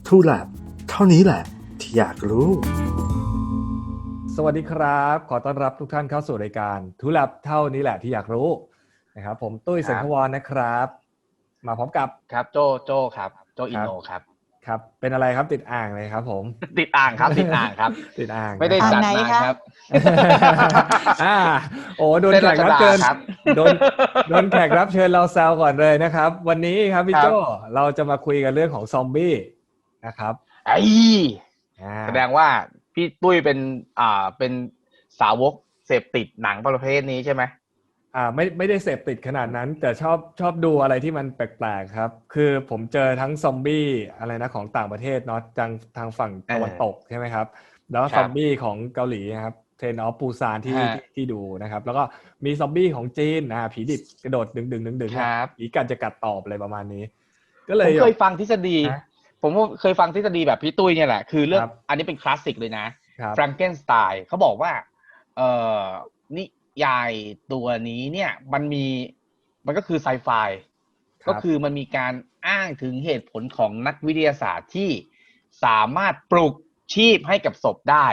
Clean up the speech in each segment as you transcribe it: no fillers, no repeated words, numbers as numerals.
ทูแลบเท่านี้แหละที่อยากรู้สวัสดีครับขอต้อนรับทุกท่านเข้าสู่รายการทูแลบเท่านี้แหละที่อยากรู้นะครับผมตุ้ยเสงขวรนะครับมาพร้อมกับครับโจครับโจอินโนครับครับเป็นอะไรครับติดอ่างเลยครับผมติดอ่างครับติดอ่างครับติดอ่างไม่ได้จัดนานครับโอ้โดนแขกรับเชิญโดนแขกรับเชิญเราแซวก่อนเลยนะครับวันนี้ครับพี่โจเราจะมาคุยกันเรื่องของซอมบี้นะครับแสดงว่าพี่ตุ้ยเป็นสาวกเสพติดหนังประเภทนี้ใช่ไหมไม่ได้เสพติดขนาดนั้นแต่ชอบดูอะไรที่มันแปลกๆครับคือผมเจอทั้งซอมบี้อะไรนะของต่างประเทศเนาะทางฝั่งตะวันตกใช่ไหมครับแล้วซอมบี้ของเกาหลีนะครับเทรนออฟปูซานที่ดูนะครับแล้วก็มีซอมบี้ของจีนผีดิบกระโดดดึงผีกัดจะกัดตอบอะไรประมาณนี้ก็เลยผมเคยฟังทฤษฎีผมเคยฟังทฤษฎีแบบพี่ตุ้ยเนี่ยแหละคือเรื่องอันนี้เป็นคลาสสิกเลยนะแฟรงเกนสไตน์เขาบอกว่านิยายตัวนี้เนี่ยมันก็คือไซไฟก็คือมันมีการอ้างถึงเหตุผลของนักวิทยาศาสตร์ที่สามารถปลุกชีพให้กับศพได้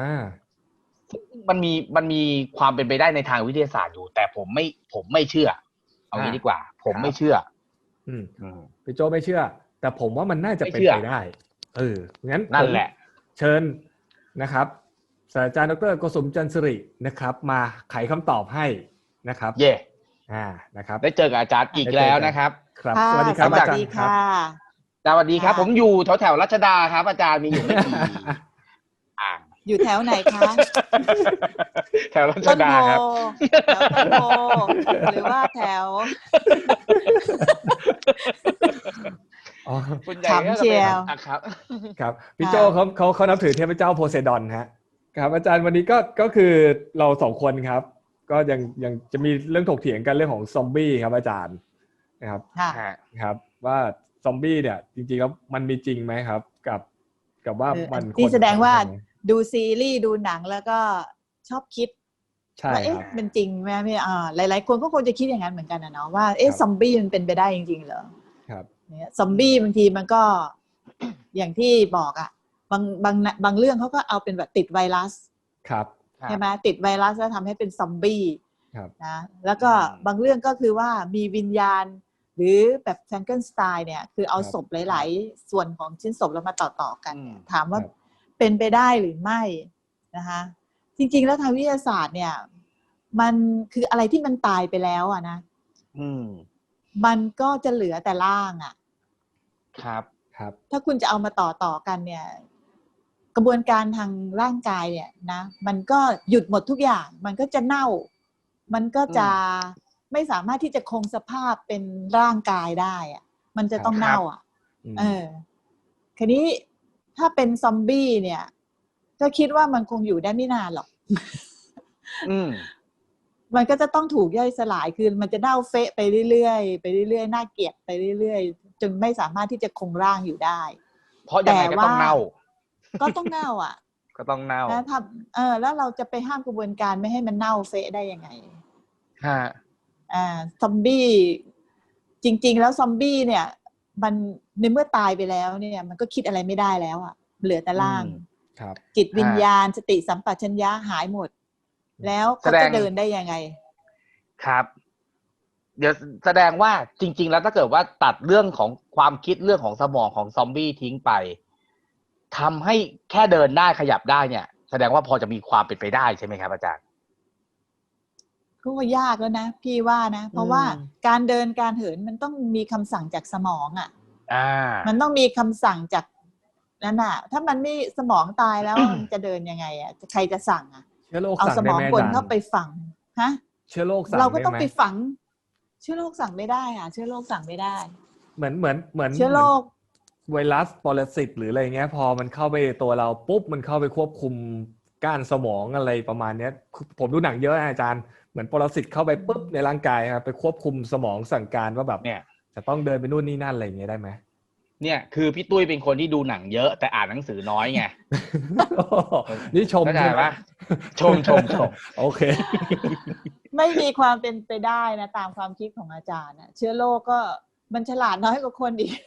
มันมีความเป็นไปได้ในทางวิทยาศาสตร์อยู่แต่ผมไม่เชื่อเอางี้ดีกว่าผมไม่เชื่อพี่โจไม่เชื่อแต่ผมว่ามันน่าจะเป็นไปได้งั้นนั่นแหละเชิญนะครับศาสตราจารย์ดร.โกสุมจันทร์สิรินะครับมาไขคำตอบให้นะครับนะครับได้เจอกับอาจารย์อีกแล้วนะครับครับสวัสดีครับอาจารย์ครับสวัสดีครับผมอยู่แถวรัชดาครับอาจารย์มีอยู่ไม่กี่อยู่แถวไหนคะแถวรัชดาครับแถวต้นโพหรือว่าแถวขำเชียวครับพี่โจเขานับถือเทพเจ้าโพไซดอนฮะครับอาจารย์วันนี้ก็คือเราสองคนครับก็ยังจะมีเรื่องถกเถียงกันเรื่องของซอมบี้ครับอาจารย์นะครับครับว่าซอมบี้เนี่ยจริงๆแล้วมันมีจริงไหมครับกับว่ามันที่แสดงว่าดูซีรีส์ดูหนังแล้วก็ชอบคิดว่ามันจริงไหมพี่หลายๆคนก็คงจะคิดอย่างนั้นเหมือนกันนะเนาะว่าซอมบี้มันเป็นไปได้จริงๆเหรอครับเนี่ยซอมบี้บางทีมันก็อย่างที่บอกบางเรื่องเขาก็เอาเป็นแบบติดไวรัสครับใช่ไหมติดไวรัสแล้วทำให้เป็นซอมบี้นะแล้วก็บางเรื่องก็คือว่ามีวิญญาณหรือแบบแฟรงเกนสไตน์เนี่ยคือเอาศพหลายๆส่วนของชิ้นศพแล้วมาต่อกันถามว่าเป็นไปได้หรือไม่นะคะจริงๆแล้วทางวิทยาศาสตร์เนี่ยมันคืออะไรที่มันตายไปแล้วอ่ะนะมันก็จะเหลือแต่ร่างอ่ะครับถ้าคุณจะเอามาต่อกันเนี่ยกระบวนการทางร่างกายเนี่ยนะมันก็หยุดหมดทุกอย่างมันก็จะเน่ามันก็จะไม่สามารถที่จะคงสภาพเป็นร่างกายได้อ่ะมันจะต้องเน่าอ่ะทีนี้ถ้าเป็นซอมบี้เนี่ยก็คิดว่ามันคงอยู่ได้ไม่นานหรอกมันก็จะต้องถูกย่อยสลายคือมันจะเน่าเฟะไปเรื่อยๆไปเรื่อยๆน่าเกลียดไปเรื่อยๆจนไม่สามารถที่จะคงร่างอยู่ได้เพราะยังไงก็ต้องเน่าก็ต้องเน่าอ่ะก็ต้องเน่าแล้วแล้วเราจะไปห้ามกระบวนการไม่ให้มันเน่าเฟะได้ยังไงซอมบี้จริงๆแล้วซอมบี้เนี่ยมันในเมื่อตายไปแล้วเนี่ยมันก็คิดอะไรไม่ได้แล้วอ่ะเหลือแต่ร่างจิตวิญญาณสติสัมปชัญญะหายหมดแล้วเขาจะเดินได้ยังไงครับเดี๋ยวแสดงว่าจริงๆแล้วถ้าเกิดว่าตัดเรื่องของความคิดเรื่องของสมองของซอมบี้ทิ้งไปทำให้แค่เดินได้ขยับได้เนี่ยแสดงว่าพอจะมีความเป็นไปได้ใช่ไหมครับอาจารย์ก็ยากแล้วนะพี่ว่านะเพราะว่าการเดินการเหินมันต้องมีคำสั่งจากสมองมันต้องมีคำสั่งจากนั่นน่ะถ้ามันไม่สมองตายแล้ว มันจะเดินยังไงใครจะสั่งเอาสมองคนเข้าไปฝังเชื้อโรคสั่งเราก็ต้องไปฝังเชื้อโรคสั่งไม่ได้เชื้อโรคสั่งไม่ได้เหมือนเชื้อโรคไวรัสปรสิตหรืออะไรเงี้ยพอมันเข้าไปตัวเราปุ๊บมันเข้าไปควบคุมก้านสมองอะไรประมาณนี้ผมดูหนังเยอะอาจารย์เหมือนปรสิตเข้าไปปุ๊บในร่างกายครับไปควบคุมสมองสั่งการว่าแบบเนี่ยจะต้องเดินไปนู่นนี่นั่นอะไรอย่างเงี้ยได้ไหมเนี่ยคือพี่ตุ้ยเป็นคนที่ดูหนังเยอะแต่อ่านหนังสือน้อยไงนี่ชมใช่ไหมชมโอเคไม่มีความเป็นไปได้นะตามความคิดของอาจารย์เชื้อโรคก็มันฉลาดน้อยกว่าคนอีก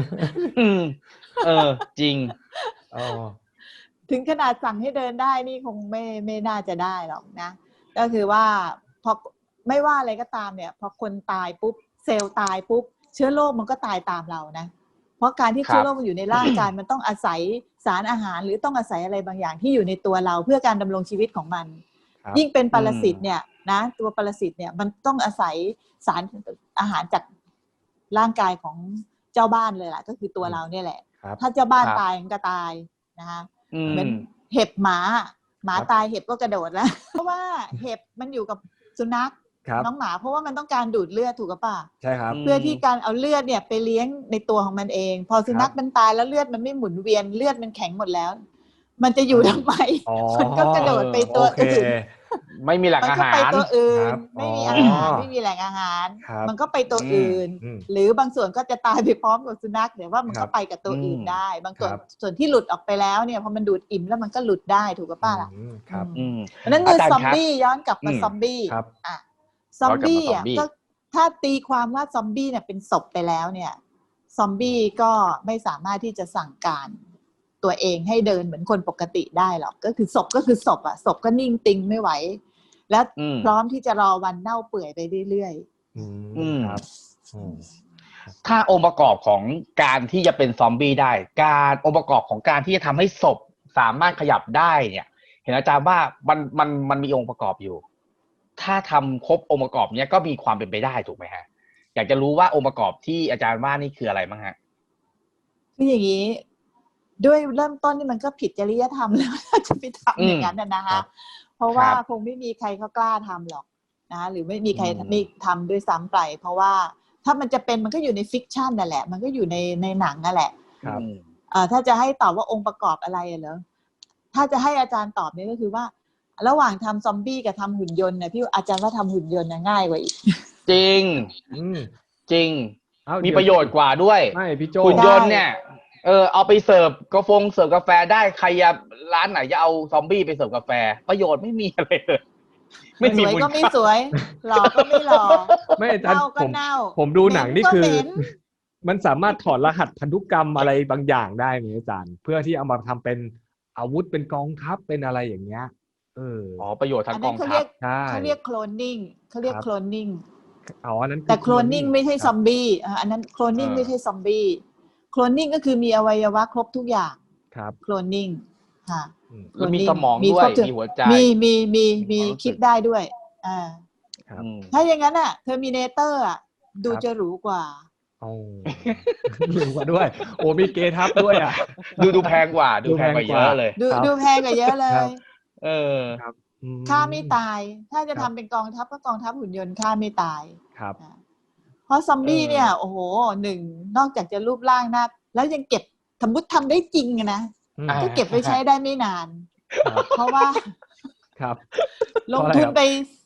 จริงถึงขนาดสั่งให้เดินได้นี่คงไม่น่าจะได้หรอกนะก็คือว่าพอไม่ว่าอะไรก็ตามเนี่ยพอคนตายปุ๊บเซลล์ตายปุ๊บเชื้อโรคมันก็ตายตามเรานะเพราะการที่เชื้อโรคมันอยู่ในร่างกายมันต้องอาศัยสารอาหารหรือต้องอาศัยอะไรบางอย่างที่อยู่ในตัวเราเพื่อการดำรงชีวิตของมันยิ่งเป็นปรสิตเนี่ยนะตัวปรสิตเนี่ยมันต้องอาศัยสารอาหารจากร่างกายของเจ้าบ้านเลยล่ะก็คือตัวเราเนี่ยแหละถ้าเจ้าบ้านตายมันก็ตายนะคะเหมือนเห็บหมาตายเห็บก็กระโดดแล้วเพราะว่าเห็บมันอยู่กับสุนัขน้องหมาเพราะว่ามันต้องการดูดเลือดถูกกับป่ะใช่ครับเพื่อที่การเอาเลือดเนี่ยไปเลี้ยงในตัวของมันเองพอสุนัขมันตายแล้วเลือดมันไม่หมุนเวียนเลือดมันแข็งหมดแล้วมันจะอยู่ทำไมมันก็กระโดดไปตัวอื่นไม่มีแหล่งอาหารมันก็ไปตัวอื่นไม่มีอาหารไม่มีแหล่งอาหารมันก็ไปตัวอื่นหรือบางส่วนก็จะตายไปพร้อมกับสุนัขแต่ว่ามันก็ไปกับตัวอื่นได้บางส่วนที่หลุดออกไปแล้วเนี่ยพอมันดูดอิ่มแล้วมันก็หลุดได้ถูกกับป้าล่ะครับนั่นคือซอมบี้ย้อนกลับมาซอมบี้ซอมบี้อ่ะก็ถ้าตีความว่าซอมบี้เนี่ยเป็นศพไปแล้วเนี่ยซอมบี้ก็ไม่สามารถที่จะสั่งการตัวเองให้เดินเหมือนคนปกติได้หรอกก็คือศพก็คือศพอ่ะศพก็นิ่งติงไม่ไหวและพร้อมที่จะรอวันเน่าเปื่อยไปเรื่อยๆครับถ้าองค์ประกอบของการที่จะเป็นซอมบี้ได้การองค์ประกอบของการที่จะทำให้ศพสามารถขยับได้เนี่ยเห็นอาจารย์ว่ามันมีองค์ประกอบอยู่ถ้าทำครบองค์ประกอบเนี้ยก็มีความเป็นไปได้ถูกไหมฮะอยากจะรู้ว่าองค์ประกอบที่อาจารย์ว่านี่คืออะไรบ้างฮะคืออย่างนี้ด้วยเริ่มต้นนี่มันก็ผิดจริยธรรมแล้วจะไปทำอย่างนั้นนะคะเพราะว่าคงไม่มีใครเขากล้าทำหรอกนะหรือไม่มีใครไม่ทำด้วยซ้ำไปเพราะว่าถ้ามันจะเป็นมันก็อยู่ในฟิกชันนั่นแหละมันก็อยู่ในหนังนั่นแหละถ้าจะให้ตอบว่าองค์ประกอบอะไรเหรอถ้าจะให้อาจารย์ตอบเนี่ยก็คือว่าระหว่างทำซอมบี้กับทำหุ่นยนต์เนี่ยพี่อาจารย์ว่าทำหุ่นยนต์ง่ายกว่าอีกจริงจริงมีประโยชน์กว่าด้วยหุ่นยนต์เนี่ยเอาไปเสิร์ฟเสิร์ฟกาแฟได้ใครร้านไหนจะเอาซอมบี้ไปเสิร์ฟกาแฟประโยชน์ไม่มีอะไรเลยไม่สวยก็ไม่สวยหล่อก็ไม่หล่อไม่อาจารย์ผมดูหนังนี่คือมันสามารถถอดรหัสพันธุกรรมอะไรบางอย่างได้ไหมอาจารย์เพื่อที่เอามาทำเป็นอาวุธเป็นกองทัพเป็นอะไรอย่างเงี้ยประโยชน์ทางกองทัพเขาเรียกโคลนนิ่งเขาเรียกโคลนนิ่งอันนั้นแต่โคลนนิ่งไม่ใช่ซอมบี้อันนั้นโคลนนิ่งไม่ใช่ซอมบี้โคลนนิ่งก็คือมีอวัยวะครบทุกอย่างโคลนนิ่งค่ะแล้วมีสมองด้วยมีหัวใจมีคิดได้ด้วยถ้าอย่างนั้นอ่ะเทอร์มิเนเตอร์อ่ะดูจะหรูกว่าหรูกว่าด้วยโอ้มีเกทับด้วยอ่ะดูแพงกว่าดูแพงกว่าเยอะเลยดูแพงกว่าเยอะเลยครับฆ่าไม่ตายถ้าจะทำเป็นกองทัพก็กองทัพหุ่นยนต์ฆ่าไม่ตายครับเพราะซอมบี้เนี่ยโอ้โหหนึ่งนอกจากจะรูปร่างหน้าแล้วยังเก็บสมมติทำได้จริงนะก็เก็บไว้ใช้ได้ไม่นานเพราะว่าลงทุนไป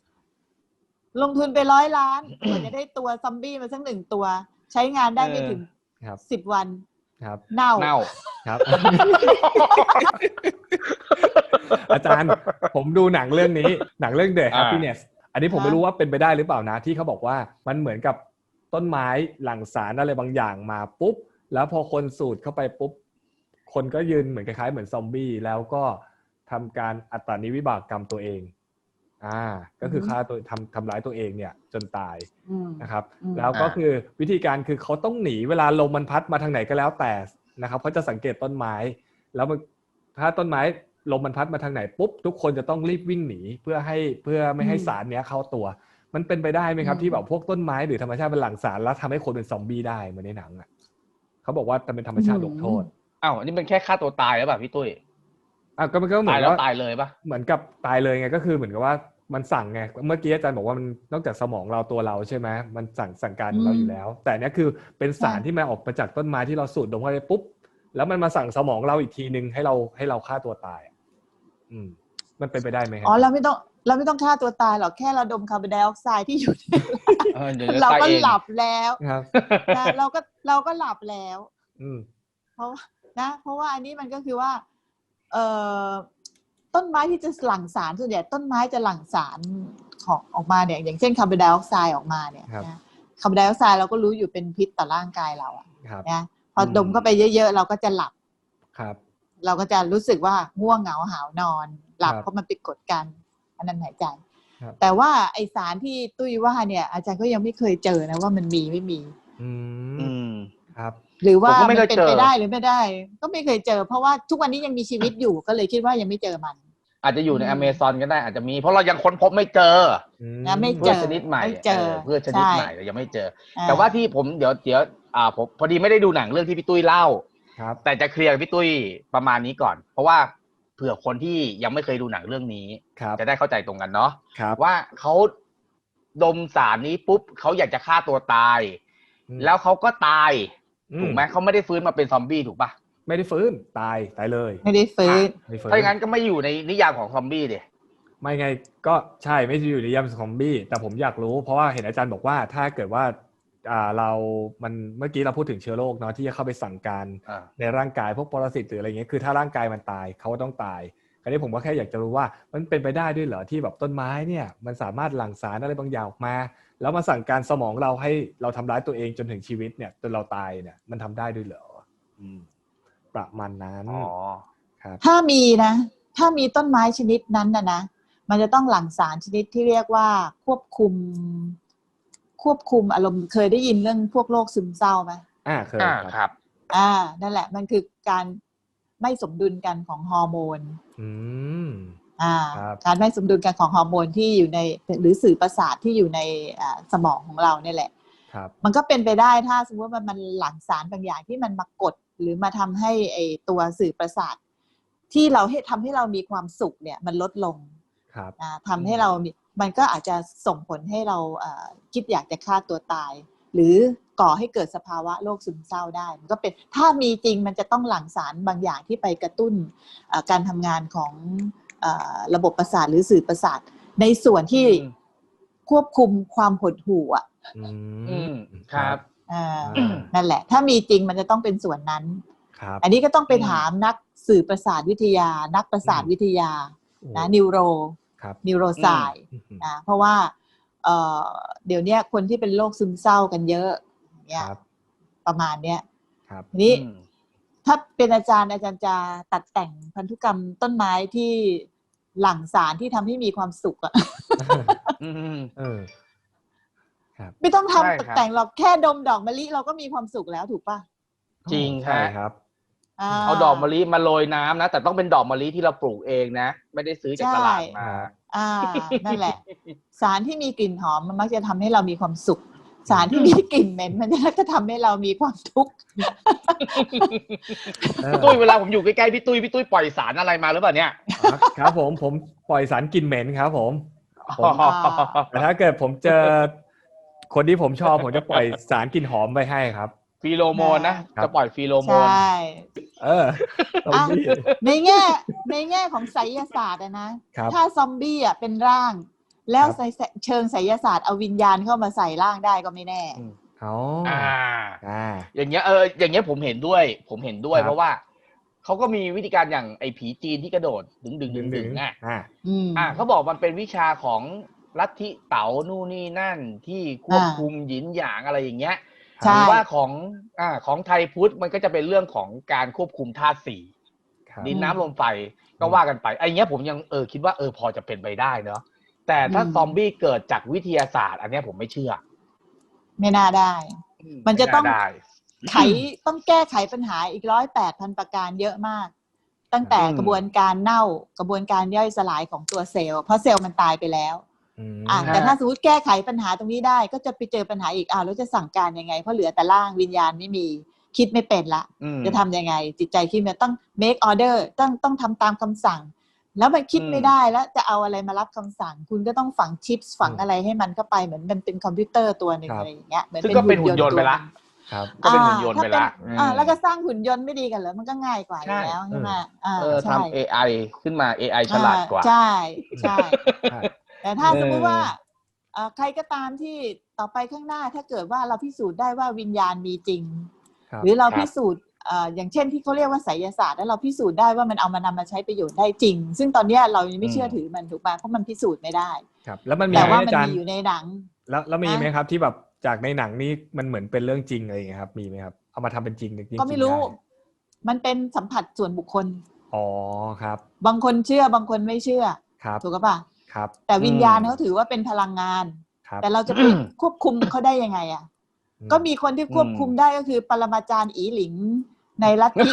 100 ล้านกว่าจะได้ตัวซอมบี้มาสัก1 ตัวใช้งานได้ไม่ถึง10 วันเน่าครับ อาจารย์ผมดูหนังเรื่องนี้หนังเรื่อง The Happiness อันนี้ผมไม่รู้ว่าเป็นไปได้หรือเปล่านะที่เขาบอกว่ามันเหมือนกับต้นไม้หลั่งสารอะไรบางอย่างมาปุ๊บแล้วพอคนสูดเข้าไปปุ๊บคนก็ยืนเหมือนคล้ายๆเหมือนซอมบี้แล้วก็ทำการอัตตานิวิบากกรรมตัวเองก็คือฆ่าตัวทำร้ายตัวเองเนี่ยจนตายนะครับแล้วก็คือวิธีการคือเขาต้องหนีเวลาลมมันพัดมาทางไหนก็แล้วแต่นะครับเขาจะสังเกตต้นไม้แล้วถ้าต้นไม้ลมมันพัดมาทางไหนปุ๊บทุกคนจะต้องรีบวิ่งหนีเพื่อไม่ให้สารเนี้ยเข้าตัวมันเป็นไปได้ไหมครับที่แบบพวกต้นไม้หรือธรรมชาติเป็นหลั่งสารแล้วทำให้คนเป็นซอมบี้ได้เหมือนในหนังเขาบอกว่ามันเป็นธรรมชาติลงโทษอันนี้มันแค่ฆ่าตัวตายแล้วป่ะพี่ตุ้ยก็มันก็เหมือนว่าตายเลยป่ะเหมือนกับตายเลยไงก็คือเหมือนกับว่ามันสั่งไงเมื่อกี้อาจารย์บอกว่ามันนอกจากสมองเราตัวเราใช่ไหมมันสั่งการเราอยู่แล้วแต่เนี้ยคือเป็นสารที่มาออกมาจากต้นไม้ที่เราสูดดมเข้าไปปุ๊บแล้วมันมาสั่งสมองเราอีกทีนึงให้เราฆ่าตัวตายมันเป็นไปได้ไหมครับเราไม่ต้องฆ่าตัวตายหรอกแค่เราดมคาร์บอนไดออกไซด์ที่อยู่เราก็หลับแล้วนะเราก็หลับแล้วเพราะว่าอันนี้มันก็คือว่าต้นไม้ที่จะหลั่งสารส่วนใหญ่ต้นไม้จะหลั่งสารของออกมาเนี่ยอย่างเช่นคาร์บอนไดออกไซด์ออกมาเนี่ยนะคาร์บอนไดออกไซด์เราก็รู้อยู่เป็นพิษต่อร่างกายเราอะครับนะพอดมเข้าไปเยอะๆเราก็จะหลับครับเราก็จะรู้สึกว่าง่วงเหงาหาวนอนหลับครับเพราะมันไปกดกันอันนั้นหายใจครับแต่ว่าไอสารที่ตุ้ยว่าเนี่ยอาจารย์ก็ยังไม่เคยเจอนะว่ามันมีไม่มีอือืมมครับหรือว่าผมก็ไม่มันเคยเป็นเจอไปได้หรือไม่ได้ ก็ไม่เคยเจอ เพราะว่าทุกวันนี้ยังมีชีวิตอยู่ก็เลยคิดว่ายังไม่เจอมันอาจจะอยู่ในอเมซอนก็ได้อาจจะมีเพราะเรายังค้นพบไม่เจอนะไม่พืเจชอชนิดใหม่ไม่เจอพืชชนิดใช่ใหม่เรายังไม่เจออ่แต่ว่าที่ผมเดี๋ยวผมพอดีไม่ได้ดูหนังเรื่องที่พี่ตุ้ยเล่าครับแต่จะเคลียร์กับพี่ตุ้ยประมาณนี้ก่อน เพราะว่าเผื่อคนที่ยังไม่เคยดูหนังเรื่องนี้ครับจะได้เข้าใจตรงกันเนาะครับว่าเขาดมสารนี้ปุ๊บเขาอยากจะฆ่าตัวตายอืมแล้วเขาก็ตายอืมถูกไหมเขาไม่ได้ฟื้นมาเป็นซอมบี้ถูกปะไม่ได้ฟื้นตายเลยไม่ได้ฟื้นไม่ฟื้นถ้าอย่างนั้นก็ไม่อยู่ในนิยามของซอมบี้ดิไม่ไงก็ใช่ไม่ได้อยู่ในยามซอมบี้แต่ผมอยากรู้เพราะว่าเห็นอาจารย์บอกว่าถ้าเกิดว่าเรามันเมื่อกี้เราพูดถึงเชื้อโรคเนาะที่จะเข้าไปสั่งการอ่าในร่างกายพวกปรสิตหรืออะไรเงี้ยคือถ้าร่างกายมันตายเขาก็ต้องตายคราวนี้ผมก็แค่อยากจะรู้ว่ามันเป็นไปได้ด้วยเหรอที่แบบต้นไม้เนี่ยมันสามารถหลั่งสารอะไรบางอย่างออกมา แล้วมาสั่งการสมองเราให้เราทำร้ายตัวเองจนถึงชีวิตเนี่ยจนเราตายเนี่ยมันทำได้ด้วยเหรอประมาณนั้นอ๋อครับถ้ามีนะ ถ้ามีต้นไม้ชนิดนั้นนะมันจะต้องหลั่งสารชนิดที่เรียกว่าควบคุมอารมณ์เคยได้ยินเรื่องพวกโรคซึมเศร้าไหมเคยครับครับนั่นแหละมันคือการไม่สมดุลกันของฮอร์โมนอืม ครับการไม่สมดุลกันของฮอร์โมนที่อยู่ในหรือสื่อประสาทที่อยู่ในสมองของเราเนี่ยแหละครับมันก็เป็นไปได้ถ้าสมมติว่ามันหลั่งสารบางอย่างที่มันมากดหรือมาทำให้ไอตัวสื่อประสาทที่เราทำให้เรามีความสุขเนี่ยมันลดลงครับทำให้เรามันก็อาจจะส่งผลให้เราคิดอยากจะฆ่าตัวตาย หรือก่อให้เกิดสภาวะโรคซึมเศร้าได้มันก็เป็นถ้ามีจริงมันจะต้องหลั่งสารบางอย่างที่ไปกระตุ้นการทำงานของระบบประสาทหรือสื่อประสาทในส่วนที่ควบคุมความหดหู่อ่ะครับนั่นแหละถ้ามีจริงมันจะต้องเป็นส่วนนั้นครับอันนี้ก็ต้องไปถามนักสื่อประสาทวิทยานักประสาทวิทยานะนิวโรครับนิวโรไซน์นะเพราะว่าเดี๋ยวนี้คนที่เป็นโรคซึมเศร้ากันเยอะเนี่ยครับประมาณเนี้ยครับทีนี้ถ้าเป็นอาจารย์จะตัดแต่งพันธุกรรมต้นไม้ที่หลั่งสารที่ทำให้มีความสุขอะครับไม่ต้องใช่ครับทำแต่งหรอกแค่ดมดอกมะลิเราก็มีความสุขแล้วถูกป่ะจริงใช่ครับเอาดอกมะลิมาโรยน้ำนะแต่ต้องเป็นดอกมะลิที่เราปลูกเองนะไม่ได้ซื้อจากตลาดมานั่นแหละ สารที่มีกลิ่นหอมมันมักจะทำให้เรามีความสุข สารที่มีกลิ่นเหม็นมันจะทำให้เรามีความทุกข์พี่ตุ้ยเวลาผมอยู่ใกล้ๆพี่ตุ้ยปล่อยสารอะไรมาหรือเปล่าเนี่ยครับผมปล่อยสารกลิ่นเหม็นครับผมแต่ถ้าเกิดผมเจอคนที่ผมชอบผมจะปล่อยสารกลิ่นหอมไปให้ครับฟีโรโมนนะจะปล่อยฟีโรโมใชน่ซอมบี้ในแง่ของไสยศาสตร์นะครับถ้าซอมบี้เป็นร่าง แล้วครับเชิงไสยศาสตร์เอาวิญญาณเข้ามาใส่ร่างได้ก็ไม่แน่อ๋ออย่างเงี้ยอย่างเงี้ยผมเห็นด้วยครับเพราะว่าเขาก็มีวิธีการอย่างไอ้ผีจีนที่กระโดดดึงอ่ะเขาบอกมันเป็นวิชาของลัทธิเต๋านู่นนี่นั่นที่ควบคุมหยินหยางอะไรอย่างเงี้ยใช่หรือว่าของไทยพุทธมันก็จะเป็นเรื่องของการควบคุมธาตุสี่ครับดินน้ำลมไฟก็ว่ากันไปไอ้เงี้ยผมยังคิดว่าพอจะเป็นไปได้เนาะแต่ถ้าซอมบี้เกิดจากวิทยาศาสตร์ อันเนี้ยผมไม่เชื่อไม่น่าได้ มันจะต้องไได้ต้องแก้ไขปัญหาอีก108,000 ประการเยอะมาก ตั้งแต่กระบวนการเน่ากระบวนการย่อยสลายของตัวเซลล์เพราะเซลล์มันตายไปแล้วแต่ถ้าสมมติแก้ไขปัญหาตรงนี้ได้ก็จะไปเจอปัญหาอีกแล้วจะสั่งการยังไงเพราะเหลือแต่ร่างวิญญาณไม่มีคิดไม่เป็นละจะทำยังไงจิตใจคิดมันต้อง make order ต้องทำตามคำสั่ง แล้วมันคิดไม่ได้แล้วจะเอาอะไรมารับคำสั่งคุณก็ต้องฝังชิปฝังอะไรให้มันเข้าไปเหมือนมันเป็นคอมพิวเตอร์ตัวหนึ่งอะไรอย่างเงี้ยเหมือนซึ่งก็เป็นหุ่นยนต์ไปละครับก็เป็นหุ่นยนต์ไปละแล้วก็สร้างหุ่นยนต์ไม่ดีกันเหรอมันก็ง่ายกว่าอยู่แล้วใช่ไหมทำ AI ขึ้นมา AI ฉลาดกว่าใช่แต่ถ้าสมมติว่าใครก็ตามที่ต่อไปข้างหน้าถ้าเกิดว่าเราพิสูจน์ได้ว่าวิญญาณมีจริงหรือเราพิสูจน์อย่างเช่นที่เขาเรียกว่าไสยศาสตร์แล้วเราพิสูจน์ได้ว่ามันเอามานำมาใช้ประโยชน์ได้จริงซึ่งตอนนี้เรายังไม่เชื่อถือมันถูกป่ะเพราะมันพิสูจน์ไม่ได้ครับแล้วมันมีแต่ว่าไหมมันอาจารมีย์อยู่ในหนังแล้วมีไหมครับที่แบบจากในหนังนี่มันเหมือนเป็นเรื่องจริงอะไรอย่างเงี้ยครับมีไหมครับเอามาทำเป็นจริงก็ไม่รู้มันเป็นสัมผัสส่วนบุคคลอ๋อครับบางคนเชื่อบางคนไม่เชื่อถูกป่ะครับแต่วิญญาณเขาถือว่าเป็นพลังงานแต่เราจะไปควบคุมเขาได้ยังไงอ่ะก็มีคนที่ควบคุมได้ก็คือปรมาจารย์อีหลิงในลัทธิ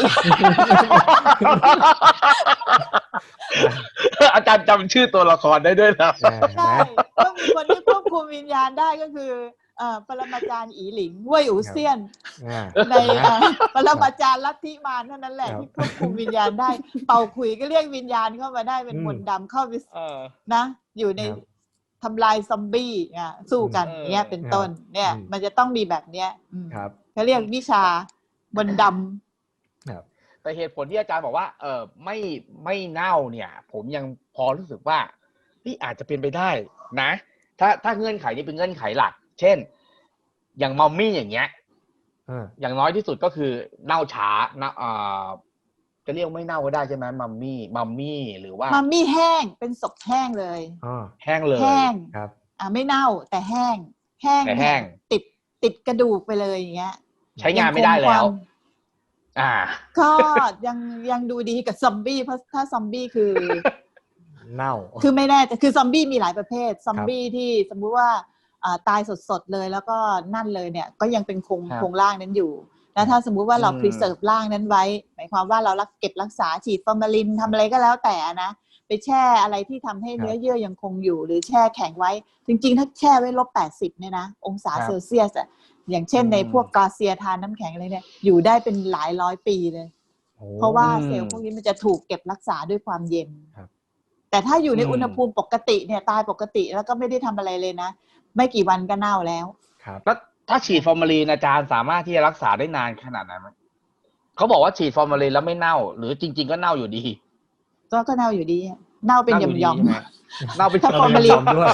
อาจารย์จำชื่อตัวละครได้ด้วยนะใช่ก็มีคนที่ควบคุมวิญญาณได้ก็คือปรมาจารย์อีหลิงเว่ยอู่เซียนในปรมาจารย์ลัทธิมารเท่านั้นแหละที่ควบคุมวิญญาณได้เป่าขลุ่ยก็เรียกวิญญาณเข้ามาได้เป็นมนต์ดำเข้าไปนะอยู่ในทำลายซอมบี้สู้กันเนี้ยเป็นต้นเนี่ยมันจะต้องมีแบบเนี้ยเขาเรียกวิชามนต์ดำแต่เหตุผลที่อาจารย์บอกว่าไม่เน่าเนี่ยผมยังพอรู้สึกว่าที่อาจจะเป็นไปได้นะถ้าเงื่อนไขนี้เป็นเงื่อนไขหลักเช่นอย่างมัมมี่อย่างเงี้ยอย่างน้อยที่สุดก็คือเน่าช้าจะเรียกไม่เน่าก็ได้ใช่ไหมมัมมี่หรือว่ามัมมี่แห้งเป็นศพแห้งเลยแห้งเลยแห้งครับไม่เน่าแต่แห้งติดกระดูกไปเลยอย่างเงี้ยใช้งานไม่ได้แล้วก็ยังดูดีกับซอมบี้เพราะถ้าซอมบี้คือเน่าคือไม่แน่แต่คือซอมบี้มีหลายประเภทซอมบี้ที่สมมุติว่าตายสดๆเลยแล้วก็นั่นเลยเนี่ยก็ยังเป็นโครงร่างนั้นอยู่แล้วถ้าสมมุติว่าเรา preserve ร่างนั้นไว้หมายความว่าเราเก็บรักษาฉีดฟอร์มาลินทำอะไรก็แล้วแต่นะไปแช่อะไรที่ทำให้เนื้อเยื่อยังคงอยู่หรือแช่แข็งไว้จริงๆถ้าแช่ไว้-80เนี่ยนะองศาเซลเซียสอย่างเช่นในพวกกาเซียทานน้ำแข็งอะไรเนี่ยอยู่ได้เป็นหลายร้อยปีเลยเพราะว่าเซลล์พวกนี้มันจะถูกเก็บรักษาด้วยความเย็นแต่ถ้าอยู่ในอุณหภูมิปกติเนี่ยตายปกติแล้วก็ไม่ได้ทำอะไรเลยนะไม่กี่วันก็เน่าแล้วแล้วถ้าฉีดฟอร์มาลีนอาจารย์สามารถที่จะรักษาได้นานขนาดนั้นไหมเขาบอกว่าฉีดฟอร์มาลีนแล้วไม่เน่าหรือจริงๆก็เน่าอยู่ดีก็เน่าอยู่ดีเน่าเป็นหย่อมๆเน่าเป็นฟอร์มาลีนด้วย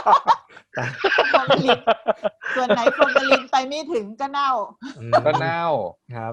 ส่วนไหนฟอร์มาลินไปไม่ถึงก็เน่าครับ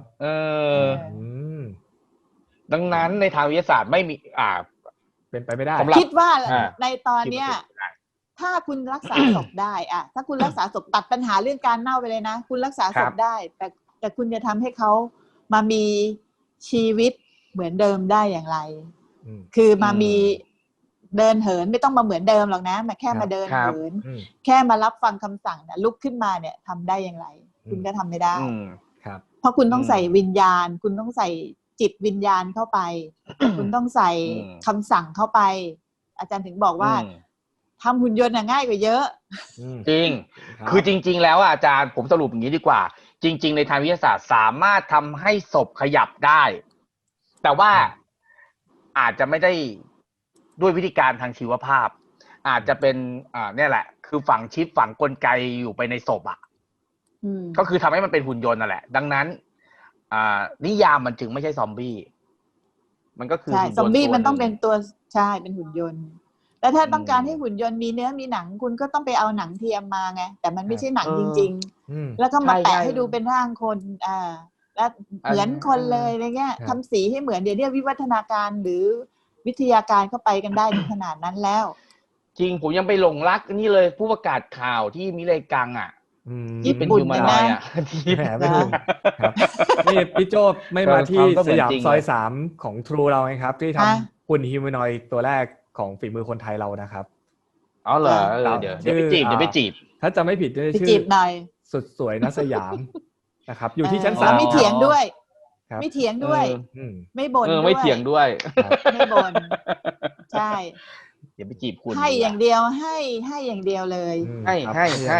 ดังนั้นในทางวิทยาศาสตร์ไม่มีเป็นไปไม่ได้คิดว่าในตอนเนี้ยถ้าคุณรักษาศพได้ถ้าคุณรักษาศพตัดปัญหาเรื่องการเน่าไปเลยนะคุณรักษาศพได้แต่คุณจะทำให้เขามามีชีวิตเหมือนเดิมได้อย่างไรคือมามีเดินเหินไม่ต้องมาเหมือนเดิมหรอกนะมาแค่มาเดินเหินแค่มารับฟังคำสั่งนะลุกขึ้นมาเนี่ยทำได้อย่างไรคุณก็ทำไม่ได้เพราะคุณต้องใส่วิญญาณคุณต้องใส่จิตวิญญาณเข้าไปคุณต้องใส่คำสั่งเข้าไปอาจารย์ถึงบอกว่าทำหุ่นยนต์ง่ายกว่าเยอะจริงคือจริงๆแล้วอาจารย์ผมสรุปอย่างนี้ดีกว่าจริงๆในทางวิทยาศาสตร์สามารถทำให้ศพขยับได้แต่ว่าอาจจะไม่ได้ด้วยวิธีการทางชีวภาพอาจจะเป็นเนี่ยแหละคือฝังชิปฝังกลไกอยู่ไปในศพก็คือทำให้มันเป็นหุ่นยนต์นั่นแหละดังนั้นนิยามมันจึงไม่ใช่ซอมบี้มันก็คือใช่ซอมบี้มันต้องเป็นตัวใช่เป็นหุ่นยนต์แต่ถ้าต้องการให้หุ่นยนต์มีเนื้อมีหนังคุณก็ต้องไปเอาหนังเทียมมาไงแต่มันไม่ใช่หนังจริงๆแล้วก็มาแปะให้ดูเป็นร่างคนแล้วเหมือนคนเลยอะไรเงี้ยทำสีให้เหมือนเดี๋ยวนี้วิวัฒนาการหรือวิทยาการเข้าไปกันได้ถึงขนาดนั้นแล้วจริงผมยังไปหลงรักนี่เลยผู้ประกาศข่าวที่มิเลกังที่เป็นฮิวแมนอยด์ที่แหมไม่ถูกนี่พี่โจ้ไม่มาที่สยามซอย3ของ True เราไงครับที่ทำหุ่นฮิวแมนอยด์ตัวแรกของฝีมือคนไทยเรานะครับอ๋อเหรอเดี๋ยวไปจีบถ้าจะไม่ผิดจะชื่อสุดสวยณสยามนะครับอยู่ที่ชั้น3 ไม่เถียงด้วยไม่เถียงด้วยไม่บ่นด้วยไม่เถียงด้วยไม่บ่นใช่อย่าไปจีบคุณให้อย่างเดียวให้อย่างเดียวเลยให้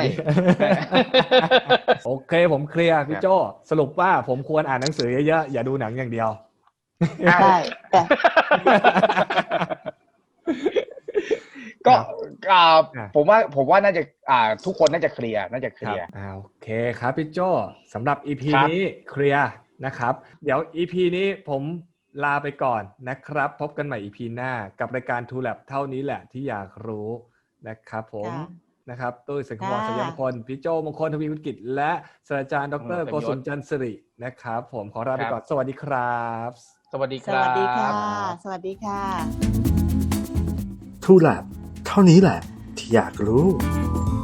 โอเคผมเคลียร์พี่โจ้สรุปว่าผมควรอ่านหนังสือเยอะๆอย่าดูหนังอย่างเดียวใช่แต่ก็ผมว่าน่าจะทุกคนน่าจะเคลียร์โอเคครับพี่โจ้สำหรับ EP นี้เคลียร์นะครับเดี๋ยว EP นี้ผมลาไปก่อนนะครับพบกันใหม่ EP หน้ากับรายการ True Lab เท่านี้แหละที่อยากรู้นะครับผมนะครับตุ้ยสังควรสยามพลพี่โจ้มงคลทวีวุฒิกิจและศาสตราจารย์ดร.โกศลจันทร์สิรินะครับผมขอลาไปก่อนสวัสดีครับสวัสดีค่ะสวัสดีค่ะ True Lab เท่านี้แหละที่อยากรู้